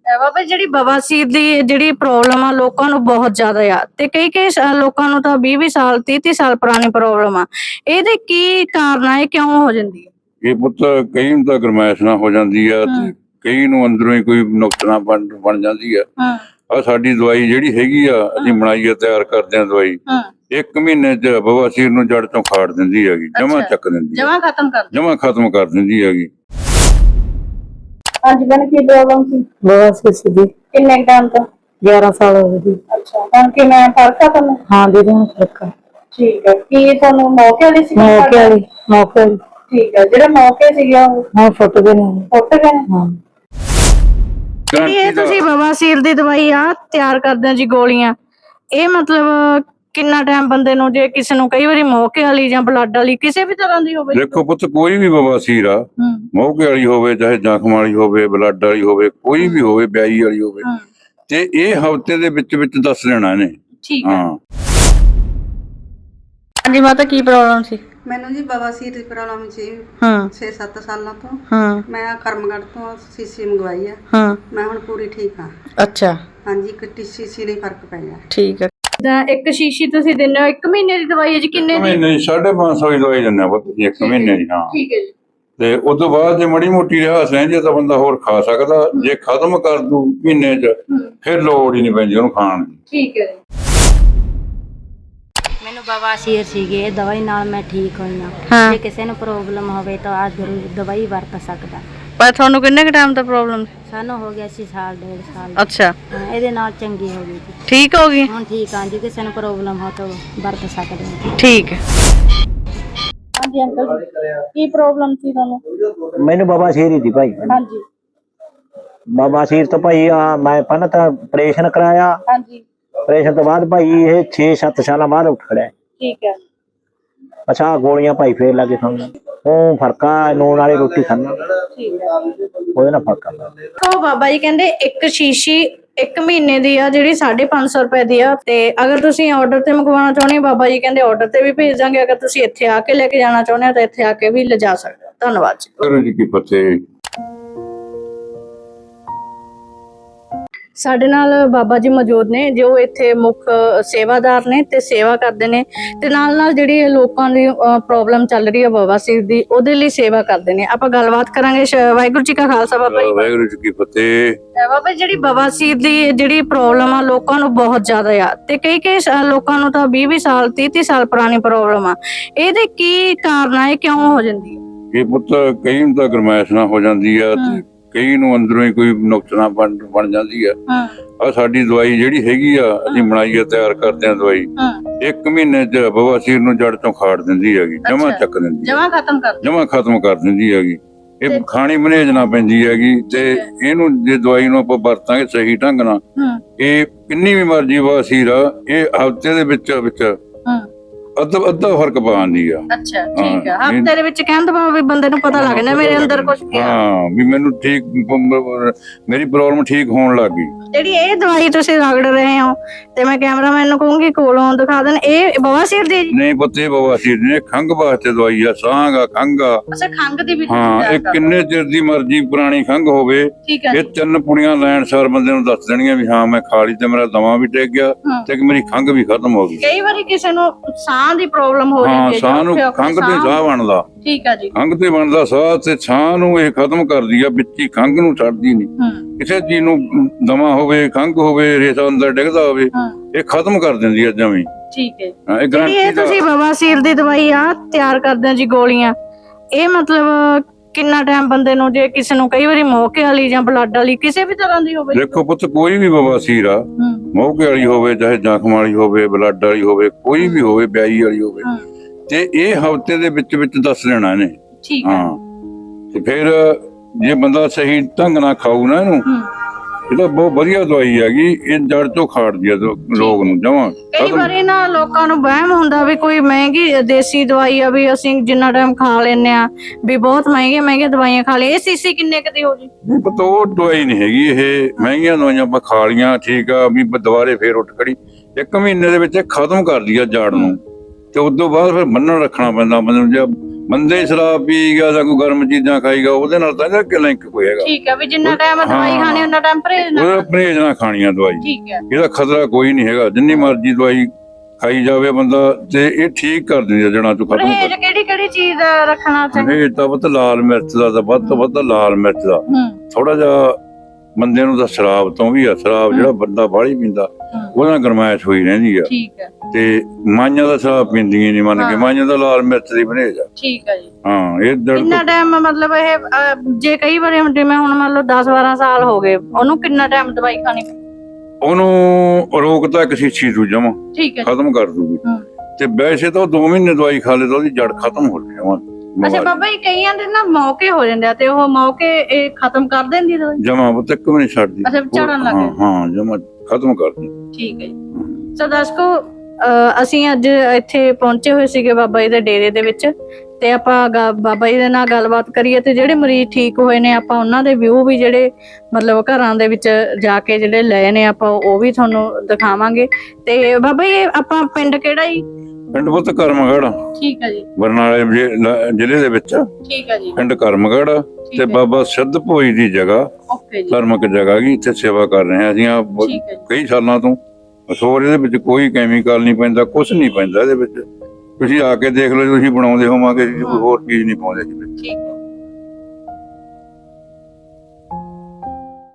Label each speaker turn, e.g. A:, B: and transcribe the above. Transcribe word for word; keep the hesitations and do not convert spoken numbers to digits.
A: ਬਾਬਾ ਜਿਹੜੀ ਬਵਾਸੀਰ ਦੀ ਜਿਹੜੀ ਪ੍ਰੋਬਲਮ ਆ ਲੋਕਾਂ ਨੂੰ ਬਹੁਤ ਜ਼ਿਆਦਾ ਆ ਤੇ ਕਈ ਕਈ ਸਾ- ਲੋਕਾਂ ਨੂੰ ਤਾਂ ਵੀਹ ਵੀਹ ਸਾਲ ਤੀਹ ਤੀਹ ਸਾਲ ਪੁਰਾਣੀ ਪ੍ਰੋਬਲਮ ਆ। ਇਹਦੇ ਕੀ ਕਾਰਨ ਆ, ਇਹ ਕਿਉਂ ਹੋ ਜਾਂਦੀ ਹੈ?
B: ਇਹ ਪੁੱਤ ਕਈ ਨੂੰ ਤਾਂ ਗਰਮੈਸ਼ ਨਾ ਹੋ ਜਾਂਦੀ ਆ ਤੇ ਕਈ ਨੂੰ ਅੰਦਰੋਂ ਹੀ ਕੋਈ ਨੁਕਸਾਨ ਬਣ ਬਣ ਜਾਂਦੀ ਆ।
A: ਹਾਂ
B: ਆ ਸਾਡੀ ਦਵਾਈ ਜਿਹੜੀ ਹੈਗੀ ਆ ਅਸੀਂ ਬਣਾਈ ਆ, ਤਿਆਰ ਕਰਦੇ ਆ ਦਵਾਈ,
A: ਹਾਂ
B: ਇੱਕ ਮਹੀਨੇ ਚ ਬਵਾਸੀਰ ਨੂੰ ਜੜ ਤੋਂ ਖਾੜ ਦਿੰਦੀ ਹੈਗੀ, ਜਮਾ ਚੱਕ ਦਿੰਦੀ
A: ਜਮਾ ਖਤਮ ਕਰ
B: ਜਮਾ ਖਤਮ ਕਰ ਦਿੰਦੀ ਹੈਗੀ।
A: ਅੱਜ ਕੱਲ ਕੀ ਪ੍ਰੋਬਲਮ ਸੀ?
C: ਬਵਾਸੀਰ ਸੀ ਦੀ
A: ਕਿੰਨੇ ਟਾਈਮ ਤੋਂ?
C: ਗਿਆਰਾਂ ਸਾਲ ਹੋ ਗਏ।
A: ਅੱਛਾ, ਹੁਣ ਕਿਵੇਂ ਫਰਕ ਆ ਤੁਹਾਨੂੰ?
C: ਹਾਂ ਦੀਦੀ ਹੁਣ ਫਰਕ ਆ।
A: ਠੀਕ ਹੈ, ਕੀ ਤੁਹਾਨੂੰ ਮੌਕੇ ਵਾਲੀ ਸੀ?
C: ਮੌਕੇ ਵਾਲੀ ਮੌਕੇ ਵਾਲੀ
A: ਠੀਕ ਹੈ, ਜਿਹੜੇ ਮੌਕੇ ਸੀਗੇ ਉਹ
C: ਹਾਂ ਫੁੱਟ ਗਏ ਨੇ।
A: ਫੁੱਟ ਗਏ ਨੇ?
C: ਹਾਂ
A: ਇਹ ਤੁਸੀਂ ਬਵਾਸੀਰ ਦੀ ਦਵਾਈ ਆ ਤਿਆਰ ਕਰਦੇ ਹੋ ਜੀ, ਗੋਲੀਆਂ, ਇਹ ਮਤਲਬ ਕਿੰਨਾ ਟਾਈਮ ਬੰਦੇ ਨੂੰ, ਜੇ ਕਿਸੇ ਨੂੰ ਕਈ ਵਾਰੀ ਮੌਕੇ ਵਾਲੀ ਜਾਂ ਬਲੱਡ ਵਾਲੀ ਕਿਸੇ ਵੀ ਤਰ੍ਹਾਂ ਦੀ ਹੋਵੇ?
B: ਦੇਖੋ ਪੁੱਤ ਕੋਈ ਵੀ ਬਵਾਸੀਰ ਆ, ਮੌਕੇ ਵਾਲੀ ਹੋਵੇ ਚਾਹੇ ਜ਼ਖਮ ਵਾਲੀ ਹੋਵੇ, ਬਲੱਡ ਵਾਲੀ ਹੋਵੇ, ਕੋਈ ਵੀ ਹੋਵੇ, ਬਿਆਈ ਵਾਲੀ ਹੋਵੇ, ਤੇ ਇਹ ਹਫ਼ਤੇ ਦੇ ਵਿੱਚ ਵਿੱਚ ਦੱਸ ਦੇਣਾ ਇਹਨੇ।
A: ਠੀਕ ਹੈ।
B: ਹਾਂ
A: ਹਾਂਜੀ ਮਾਤਾ, ਕੀ ਪ੍ਰੋਬਲਮ ਸੀ?
D: ਮੈਨੂੰ ਜੀ ਬਵਾਸੀਰ ਦੀ ਪ੍ਰੋਬਲਮ ਸੀ
A: ਹਾਂ
D: ਛੇ ਸੱਤ ਸਾਲਾਂ ਤੋਂ।
A: ਹਾਂ
D: ਮੈਂ ਕਰਮਗੜ੍ਹ ਤੋਂ ਸੀਸੀ ਮੰਗਵਾਈ ਆ।
A: ਹਾਂ
D: ਮੈਂ ਹੁਣ ਪੂਰੀ ਠੀਕ ਹਾਂ।
A: ਅੱਛਾ
D: ਹਾਂਜੀ, ਇੱਕ ਸੀਸੀ ਨੇ ਫਰਕ ਪੈ ਗਿਆ।
A: ਠੀਕ ਹੈ। ਤਾਂ ਇੱਕ ਸ਼ੀਸ਼ੀ ਤੁਸੀਂ ਦਿੰਦੇ ਹੋ, ਇੱਕ ਮਹੀਨੇ ਦੀ ਦਵਾਈ ਹੈ ਜੀ? ਕਿੰਨੇ ਦੀ?
B: ਮਹੀਨੇ ਦੀ ਸਾਢੇ ਪੰਜ ਸੌ ਦੀ ਦਵਾਈ ਦਿੰਦੇ ਆ ਪੁੱਤ ਜੀ, ਇੱਕ ਮਹੀਨੇ ਦੀ। ਹਾਂ
A: ਠੀਕ ਹੈ ਜੀ।
B: ਤੇ ਉਸ ਤੋਂ ਬਾਅਦ ਜੇ ਮੜੀ ਮੋਟੀ ਰਿਹਾਸ ਰਹਿੰਦੀ ਤਾਂ ਬੰਦਾ ਹੋਰ ਖਾ ਸਕਦਾ, ਜੇ ਖਤਮ ਕਰ ਦੂ ਮਹੀਨੇ ਚ ਫਿਰ ਲੋੜ ਹੀ ਨਹੀਂ ਪੈਂਦੀ ਉਹਨੂੰ ਖਾਣ ਦੀ।
A: ਠੀਕ ਹੈ ਜੀ।
E: ਮੈਨੂੰ ਬਵਾਸੀਰ ਸੀਗੇ, ਇਹ ਦਵਾਈ ਨਾਲ ਮੈਂ ਠੀਕ ਹੋਈ
A: ਹਾਂ।
E: ਹਾਂ। ਜੇ ਕਿਸੇ ਨੂੰ ਪ੍ਰੋਬਲਮ ਹੋਵੇ ਤਾਂ ਆ ਜ਼ਰੂਰ ਦਵਾਈ ਵਰਤ ਸਕਦਾ।
A: ਪਰ ਤੁਹਾਨੂੰ ਕਿੰਨੇ ਕ ਟਾਈਮ ਤੋਂ ਪ੍ਰੋਬਲਮ ਸੀ?
E: ਸਾਨੂੰ ਹੋ ਗਿਆ ਸੀ ਸਾਲ ਡੇਢ ਸਾਲ।
A: ਅੱਛਾ,
E: ਹਾਂ, ਇਹਦੇ ਨਾਲ ਚੰਗੀ ਹੋ ਗਈ ਜੀ।
A: ਠੀਕ ਹੋ ਗਈ?
E: ਹੁਣ ਠੀਕ ਹਾਂ ਜੀ, ਕਿਸੇ ਨੂੰ ਪ੍ਰੋਬਲਮ ਹੋ ਤਾਂ ਵਰਤ ਸਕਦੇ ਹਾਂ।
A: ਠੀਕ ਹੈ। ਹਾਂਜੀ ਅੰਕਲ ਜੀ, ਕੀ ਪ੍ਰੋਬਲਮ ਸੀ ਤੁਹਾਨੂੰ?
F: ਮੈਨੂੰ ਬਵਾਸੀਰ ਹੀ ਸੀ ਭਾਈ।
A: ਹਾਂਜੀ
F: ਬਵਾਸੀਰ ਤੋਂ ਭਾਈ ਆ ਮੈਂ ਪਹਿਲਾਂ ਤਾਂ ਆਪਰੇਸ਼ਨ ਕਰਾਇਆ।
A: ਹਾਂਜੀ
F: ਆਪਰੇਸ਼ਨ ਤੋਂ ਬਾਅਦ ਭਾਈ ਇਹ ਛੇ ਸੱਤ ਸਾਲਾਂ ਬਾਅਦ ਉੱਠ ਖੜਿਆ।
A: ਠੀਕ ਹੈ।
F: ਅੱਛਾ ਆਹ ਗੋਲੀਆਂ ਭਾਈ ਫੇਰ ਲੱਗੇ ਖਾਣ, ਉਹ ਫਰਕਾ ਨੂਨ ਵਾਲੀ ਰੋਟੀ ਖਾਣਾ,
A: ਠੀਕ ਹੈ।
F: ਉਹਦੇ ਨਾਲ ਫਰਕ ਆ।
A: ਉਹ ਬਾਬਾ ਜੀ ਕਹਿੰਦੇ ਇੱਕ ਸ਼ੀਸ਼ੀ ਇੱਕ ਮਹੀਨੇ ਦੀ ਆ ਜਿਹੜੀ ਸਾਢੇ ਪੰਜ ਸੌ ਰੁਪਏ ਦੀ ਆ, ਤੇ ਅਗਰ ਤੁਸੀਂ ਆਰਡਰ ਤੇ ਮੰਗਵਾਉਣਾ ਚਾਹੁੰਦੇ ਹੋ ਬਾਬਾ ਜੀ ਕਹਿੰਦੇ ਆਰਡਰ ਤੇ ਵੀ ਭੇਜ ਦਾਂਗੇ, ਅਗਰ ਤੁਸੀਂ ਇੱਥੇ ਆ ਕੇ ਲੈ ਕੇ ਜਾਣਾ ਚਾਹੁੰਦੇ ਹੋ ਤਾਂ ਇੱਥੇ ਆ ਕੇ ਵੀ ਲਿਜਾ ਸਕਦੇ ਹੋ। ਧੰਨਵਾਦ ਜੀ।
B: ਵਾਹਿਗੁਰੂ ਜੀ ਕੀ ਫਤਿਹ।
A: ਸਾਡੇ ਨਾਲ ਬਾਬਾ ਜੀ ਮੌਜੂਦ ਨੇ ਜੋ ਇੱਥੇ ਮੁੱਖ ਸੇਵਾਦਾਰ ਨੇ ਤੇ ਸੇਵਾ ਕਰਦੇ ਨੇ, ਤੇ ਨਾਲ ਨਾਲ ਜਿਹੜੀ ਲੋਕਾਂ ਦੀ ਪ੍ਰੋਬਲਮ ਚੱਲ ਰਹੀ ਹੈ ਬਵਾਸੀਰ ਦੀ, ਉਹਦੇ ਲਈ ਸੇਵਾ ਕਰਦੇ ਨੇ। ਆਪਾਂ ਗੱਲਬਾਤ ਕਰਾਂਗੇ। ਸ਼- ਵਾਹਿਗੁਰੂ ਜੀ ਕਾ ਖਾਲਸਾ ਬਾਬਾ ਜੀ।
B: ਵਾਹਿਗੁਰੂ ਜੀ ਕੀ ਫਤਿਹ।
A: ਬਾਬਾ ਜੀ ਜਿਹੜੀ ਬਵਾਸੀਰ ਦੀ ਜਿਹੜੀ ਪ੍ਰੋਬਲਮ ਆ ਲੋਕਾਂ ਨੂੰ ਬਹੁਤ ਜ਼ਿਆਦਾ ਆ ਤੇ ਕਈ ਕਈ ਸਾ- ਲੋਕਾਂ ਨੂੰ ਤਾਂ ਵੀਹ ਵੀਹ ਸਾਲ ਤੀਹ ਤੀਹ ਸਾਲ ਪੁਰਾਣੀ ਪ੍ਰੋਬਲਮ ਆ। ਇਹਦੇ ਕੀ ਕਾਰਨ ਆ, ਇਹ ਕਿਉਂ ਹੋ ਜਾਂਦੀ ਹੈ?
B: ਇਹ ਪੁੱਤ ਕਈ ਨੂੰ ਤਾਂ ਗਰਮੈਸ਼ ਨਾ ਹੋ ਜਾਂਦੀ ਆ ਤੇ ਕਈ ਨੂੰ ਅੰਦਰੋਂ ਹੀ ਕੋਈ ਨੁਕਸਾਨ ਬਣ ਬਣ ਜਾਂਦੀ ਆ।
A: ਹਾਂ
B: ਆ ਸਾਡੀ ਦਵਾਈ ਜਿਹੜੀ ਹੈਗੀ ਆ ਅਸੀਂ ਬਣਾਈ ਆ, ਤਿਆਰ ਕਰਦੇ ਆ ਦਵਾਈ,
A: ਹਾਂ
B: ਇੱਕ ਮਹੀਨੇ ਚ ਬਵਾਸੀਰ ਨੂੰ ਜੜ ਤੋਂ ਖਾੜ ਦਿੰਦੀ ਹੈਗੀ, ਜਮਾ ਚੱਕ ਦਿੰਦੀ
A: ਜਮਾ ਖਤਮ ਕਰ
B: ਜਮਾ ਖਤਮ ਕਰ ਦਿੰਦੀ ਹੈਗੀ। ਇਹ ਖਾਣੀ ਮਨੇਜਣਾ ਪੈਂਦੀ ਹੈਗੀ, ਤੇ ਇਹਨੂੰ ਜੇ ਦਵਾਈ ਨੂੰ ਆਪਾਂ ਵਰਤਾਂਗੇ ਸਹੀ ਢੰਗ ਨਾਲ,
A: ਹਾਂ
B: ਇਹ ਕਿੰਨੀ ਵੀ ਮਰਜ਼ੀ ਬਵਾਸੀਰ ਆ ਇਹ ਹਫ਼ਤੇ ਦੇ ਵਿੱਚ ਵਿੱਚ
A: ਹਾਂ
B: ਅੱਧਾ ਅੱਧਾ ਫਰਕ ਪਾਉਂਦੀ ਆ।
A: ਅੱਛਾ ਠੀਕ ਹੈ। ਹਫ਼ਤੇ ਦੇ ਵਿੱਚ ਕਹਿਣ ਤੋਂ ਬਾਅਦ ਵੀ ਬੰਦੇ ਨੂੰ ਪਤਾ ਲੱਗ ਜਾਂਦਾ ਮੇਰੇ ਅੰਦਰ ਕੁਝ ਗਿਆ।
B: ਹਾਂ ਵੀ ਮੈਨੂੰ ਠੀਕ, ਮੇਰੀ ਪ੍ਰੋਬਲਮ ਠੀਕ ਹੋਣ ਲੱਗ ਗਈ।
A: ਜਿਹੜੀ ਇਹ ਦਵਾਈ ਤੁਸੀਂ ਰਗੜ ਰਹੇ ਹੋ, ਤੇ ਮੈਂ ਕੈਮਰਾਮੈਨ ਨੂੰ ਕਹੂੰਗੀ ਕੋਲੋਂ ਦਿਖਾ ਦੇਣ, ਇਹ ਬਵਾਸੀਰ ਦੀ?
B: ਨਹੀਂ ਪੁੱਤੇ ਬਵਾਸੀਰ ਨੇ ਖੰਘ ਵਾਸਤੇ ਦਵਾਈ ਆ, ਸਾਂਗ ਆ, ਖੰਘ ਆ।
A: ਅੱਛਾ ਖੰਘ ਦੀ ਵੀ?
B: ਹਾਂ, ਇਹ ਕਿੰਨੇ ਚਿਰ ਦੀ ਮਰਜ਼ੀ ਪੁਰਾਣੀ ਖੰਘ ਹੋਵੇ,
A: ਠੀਕ ਹੈ
B: ਇਹ ਤਿੰਨ ਪੁੜੀਆਂ ਲੈਣ ਸਾਰ ਬੰਦੇ ਨੂੰ ਦੱਸ ਦੇਣੀਆਂ ਵੀ ਹਾਂ ਮੈਂ ਖਾ ਲਈ ਤੇ ਮੇਰਾ ਦਮਾ ਵੀ ਟਿਕ ਗਿਆ ਤੇ ਮੇਰੀ ਖੰਘ ਵੀ ਖਤਮ ਹੋ ਗਈ।
A: ਕਈ ਵਾਰੀ ਕਿਸੇ ਨੂੰ ਸਾਹ ਦੀ ਪ੍ਰੋਬਲਮ ਹੋ
B: ਹਾਂ,
A: ਜਾਂਦੀ ਹੈ,
B: ਸਾਹ ਨੂੰ ਖੰਘ ਤੇ ਸਾਹ ਬਣਦਾ।
A: ਠੀਕ ਹੈ ਜੀ।
B: ਖੰਘ ਤੇ ਬਣਦਾ ਸਾਹ, ਤੇ ਸਾਹ ਨੂੰ ਇਹ ਖਤਮ ਕਰਦੀ ਆ, ਵਿੱਚ ਹੀ ਖੰਘ ਨੂੰ ਛੱਡਦੀ ਨਹੀਂ।
A: ਹੂੰ
B: ਕਿਸੇ ਚੀਜ਼ ਨੂੰ ਦਮਾ ਹੋਵੇ, ਖੰਘ ਹੋਵੇ, ਰੇਸ਼ਾ ਅੰਦਰ ਡਿੱਗਦਾ ਹੋਵੇ,
A: ਹਾਂ
B: ਇਹ ਖਤਮ ਕਰ ਦਿੰਦੀ ਆ ਜਮੀ।
A: ਠੀਕ ਹੈ।
B: ਹਾਂ, ਇਹ
A: ਜਿਹੜੀ ਇਹ
B: ਗਰੰਟੀ ਦਾ।
A: ਤੁਸੀਂ ਬਵਾਸੀਰ ਦੀ ਦਵਾਈ ਆ ਤਿਆਰ ਕਰਦੇ ਹੋ ਜੀ, ਗੋਲੀਆਂ, ਇਹ ਮਤਲਬ ਕਿੰਨਾ ਟਾਈਮ ਬੰਦੇ ਨੂੰ, ਜੇ ਕਿਸੇ ਨੂੰ ਕਈ ਵਾਰੀ ਮੌਕੇ ਵਾਲੀ ਜਾਂ ਬਲੱਡ ਵਾਲੀ ਕਿਸੇ ਵੀ ਤਰ੍ਹਾਂ ਦੀ ਹੋਵੇ?
B: ਦੇਖੋ ਪੁੱਤ ਕੋਈ ਵੀ ਬਵਾਸੀਰ ਆ,
A: ਹੂੰ
B: ਮੌਕੇ ਵਾਲੀ ਹੋਵੇ ਚਾਹੇ ਜ਼ਖਮ ਵਾਲੀ ਹੋਵੇ, ਬਲੱਡ ਵਾਲੀ ਹੋਵੇ, ਕੋਈ ਵੀ ਹੋਵੇ, ਬਿਆਈ ਵਾਲੀ ਹੋਵੇ,
A: ਹਾਂ
B: ਤੇ ਇਹ ਹਫ਼ਤੇ ਦੇ ਵਿੱਚ ਵਿੱਚ ਦੱਸ ਦੇਣਾ ਇਹਨੇ।
A: ਠੀਕ ਹੈ।
B: ਹਾਂ, ਤੇ ਫਿਰ ਜੇ ਬੰਦਾ ਸਹੀ ਢੰਗ ਨਾਲ ਖਾਊ ਨਾ ਇਹਨੂੰ,
A: ਹੂੰ
B: ਇਹ ਤਾਂ ਬਹੁਤ ਵਧੀਆ ਦਵਾਈ ਹੈਗੀ, ਇਹ ਜੜ ਤੋਂ ਖਾੜਦੀ ਆ ਲੋਕ ਨੂੰ ਜਮਾਂ।
A: ਕਈ ਵਾਰੀ ਨਾ ਲੋਕਾਂ ਨੂੰ ਵਹਿਮ ਹੁੰਦਾ ਵੀ ਕੋਈ ਮਹਿੰਗੀ ਦੇਸੀ ਦਵਾਈ ਆ ਵੀ ਅਸੀਂ ਜਿੰਨਾ ਟਾਈਮ ਖਾ ਲੈਨੇ ਆ ਵੀ ਬਹੁਤ ਮਹਿੰਗੀਆਂ ਮਹਿੰਗੀਆਂ ਦਵਾਈਆਂ ਖਾ ਲਈ, ਇਹ ਸੀਸੀ ਕਿੰਨੇ ਕੁ ਦੀ ਹੋ ਜੀ?
B: ਨਹੀਂ ਪਤਾ, ਉਹ ਦਵਾਈ ਨਹੀਂ ਹੈਗੀ ਇਹ, ਮਹਿੰਗੀਆਂ ਦਵਾਈਆਂ ਆਪਾਂ ਖਾ ਲੀਆਂ ਠੀਕ ਆ ਵੀ ਦੁਬਾਰੇ ਫੇਰ ਉੱਠ ਖੜੀ, ਇੱਕ ਮਹੀਨੇ ਦੇ ਵਿੱਚ ਇਹ ਖਤਮ ਕਰਦੀ ਆ ਜੜ ਨੂੰ, ਤੇ ਉਸ ਤੋਂ ਬਾਅਦ ਫਿਰ ਬੰਨਣ ਰੱਖਣਾ ਪੈਂਦਾ ਬੰਦੇ ਨੂੰ। ਜੇ ਬੰਦੇ ਸ਼ਰਾਬ ਪੀ ਗਿਆ ਜਾਂ ਕੋਈ ਗਰਮ ਚੀਜ਼ਾਂ ਖਾਈਗਾ ਉਹਦੇ ਨਾਲ ਤਾਂ ਇਹਦਾ ਕਿ ਲਿੰਕ ਕੋਈ ਹੈਗਾ।
A: ਠੀਕ ਹੈ, ਵੀ ਜਿੰਨਾ ਟਾਈਮ ਦਵਾਈ
B: ਹਾਂ।
A: ਖਾਣੀ ਉਹਨਾਂ ਟਾਈਮ ਪਰਹੇਜ਼ ਨਾ
B: ਉਹਦਾ ਪਰਹੇਜ਼ ਨਾਲ ਖਾਣੀ ਆ ਦਵਾਈ।
A: ਠੀਕ ਹੈ।
B: ਇਹਦਾ ਖਤਰਾ ਕੋਈ ਨਹੀਂ ਹੈਗਾ, ਜਿੰਨੀ ਮਰਜ਼ੀ ਦਵਾਈ ਖਾਈ ਜਾਵੇ ਬੰਦਾ ਤੇ ਇਹ ਠੀਕ ਕਰ ਦਿੰਦੀ ਆ ਜੜਾਂ ਤੋਂ ਖਤਮ
A: ਪਰਹੇਜ਼
B: ਕਰ।
A: ਕਿਹੜੀ ਕਿਹੜੀ ਚੀਜ਼ ਦਾ ਰੱਖਣਾ ਚਾਹੀਦਾ?
B: ਇਹ ਤਾਂ ਬਹੁਤ ਲਾਲ ਮਿਰਚ ਦਾ ਤਾਂ ਵੱਧ ਤੋਂ ਵੱਧ ਲਾਲ ਮਿਰਚ ਦਾ
A: ਹੂੰ
B: ਥੋੜਾ ਜਿਹਾ ਬੰਦੇ ਨੂੰ ਤਾਂ ਸ਼ਰਾਬ ਤੋਂ ਵੀ ਆ। ਸ਼ਰਾਬ ਜਿਹੜਾ ਬੰਦਾ ਬਾਹਲੀ ਪੀਂਦਾ ਉਹਦੇ ਨਾਲ ਗਰਮਾਇਸ਼ ਹੋਈ ਰਹਿੰਦੀ ਆ।
A: ਠੀਕ ਹੈ।
B: ਤੇ ਮਾਈਆਂ ਦਾ ਸ਼ਰਾਬ ਪੀਂਦੀਆਂ ਨਹੀਂ ਮੰਨ ਕੇ,
A: ਹਾਂ।
B: ਮਾਈਆਂ ਦਾ ਲਾਲ ਮਿਰਚ ਦੀ ਪਰਹੇਜ਼ ਆ।
A: ਠੀਕ ਹੈ ਜੀ।
B: ਹਾਂ ਇਹ ਦਰਦ
A: ਕਿੰਨਾ ਟਾਈਮ ਮਤਲਬ ਇਹ ਅਹ, ਜੇ ਕਈ ਵਾਰੀ ਹੁਣ ਜਿਵੇਂ ਹੁਣ ਮੰਨ ਲਓ ਦਸ ਬਾਰਾਂ ਸਾਲ ਹੋ ਗਏ ਉਹਨੂੰ ਕਿੰਨਾ ਟਾਈਮ ਦਵਾਈ ਖਾਣੀ?
B: ਉਹਨੂੰ ਰੋਕਤਾ ਇੱਕ ਸ਼ੀਸ਼ੀ ਤੋਂ ਜਮਾ
A: ਠੀਕ ਹੈ ਜੀ।
B: ਖਤਮ ਕਰ ਦੂਗੀ।
A: ਹੂੰ।
B: ਤੇ ਵੈਸੇ ਤਾਂ ਉਹ ਦੋ ਮਹੀਨੇ ਦਵਾਈ ਖਾ ਲੇ ਤਾਂ ਉਹਦੀ ਜੜ ਖਤਮ ਹੋ ਜਾਵਾਂ।
A: ਅੱਛਾ ਬਾਬਾ ਜੀ, ਕਈਆਂ ਦੇ ਨਾ ਮੌਕੇ ਹੋ ਜਾਂਦੇ ਆ ਤੇ ਉਹ ਮੌਕੇ ਇਹ ਖਤਮ ਕਰ ਦਿੰਦੀ ਦਵਾਈ?
B: ਜਮਾ ਉਹ ਤੱਕ ਵੀ ਨਹੀਂ ਛੱਡਦੀ।
A: ਅੱਛਾ, ਝੜਨ ਲੱਗ
B: ਹਾਂ
A: ਜਾਂਦੀ।
B: ਹਾਂ ਜਮਾ ਖਤਮ ਕਰ ਦਿੰਦੀ।
A: ਠੀਕ ਹੈ ਜੀ। ਸੋ ਦਰਸ਼ਕੋ, ਅਹ, ਅਸੀਂ ਅੱਜ ਇੱਥੇ ਪਹੁੰਚੇ ਹੋਏ ਸੀਗੇ ਬਾਬਾ ਜੀ ਦੇ ਡੇਰੇ ਦੇ ਵਿੱਚ ਤੇ ਆਪਾਂ ਗਾ- ਬਾਬਾ ਜੀ ਦੇ ਨਾਲ ਗੱਲਬਾਤ ਕਰੀਏ ਤੇ ਜਿਹੜੇ ਮਰੀਜ਼ ਠੀਕ ਹੋਏ ਨੇ ਆਪਾਂ ਉਹਨਾਂ ਦੇ ਵਿਊ ਵੀ ਜਿਹੜੇ ਮਤਲਬ ਘਰਾਂ ਦੇ ਵਿੱਚ ਜਾ ਕੇ ਜਿਹੜੇ ਲਏ ਨੇ ਆਪਾਂ ਉਹ ਵੀ ਤੁਹਾਨੂੰ ਦਿਖਾਵਾਂਗੇ। ਤੇ ਬਾਬਾ ਜੀ ਆਪਾਂ ਪਿੰਡ ਕਿਹੜਾ ਜੀ?
B: ਪਿੰਡ ਪੁੱਤ ਕਰਮਗੜ੍ਹ,
A: ਠੀਕ ਹੈ ਜੀ।
B: ਬਰਨਾਲੇ ਜ਼ਿ- ਜ਼ਿਲ੍ਹੇ ਦੇ ਵਿੱਚ
A: ਠੀਕ ਹੈ ਜੀ।
B: ਪਿੰਡ ਕਰਮਗੜ੍ਹ
A: ਠੀਕ
B: ਤੇ
A: ਹੈ।
B: ਬਾਬਾ ਸਿੱਧ ਭੋਈ ਦੀ ਜਗ੍ਹਾ,
A: ਓਕੇ ਜੀ।
B: ਧਰਮਕ ਜਗ੍ਹਾ ਗੀ, ਇੱਥੇ ਸੇਵਾ ਕਰ ਰਹੇ ਹਾਂ ਅਸੀਂ ਆ
A: ਠੀਕ ਹੈ ਜੀ।
B: ਕਈ ਸਾਲਾਂ ਤੋਂ। ਹੋਰ ਇਹਦੇ ਵਿੱਚ ਕੋਈ ਕੈਮੀਕਲ ਨਹੀਂ ਪੈਂਦਾ, ਕੁਝ ਨਹੀਂ ਪੈਂਦਾ ਇਹਦੇ ਵਿੱਚ। ਤੁਸੀਂ ਆ ਕੇ ਦੇਖ ਲਓ, ਤੁਸੀਂ ਬਣਾਉਂਦੇ ਹੋਵਾਂਗੇ, ਕੋਈ ਹੋਰ ਚੀਜ਼ ਨਹੀਂ ਪਾਉਂਦੇ ਜੀ।
A: ਠੀਕ ਹੈ।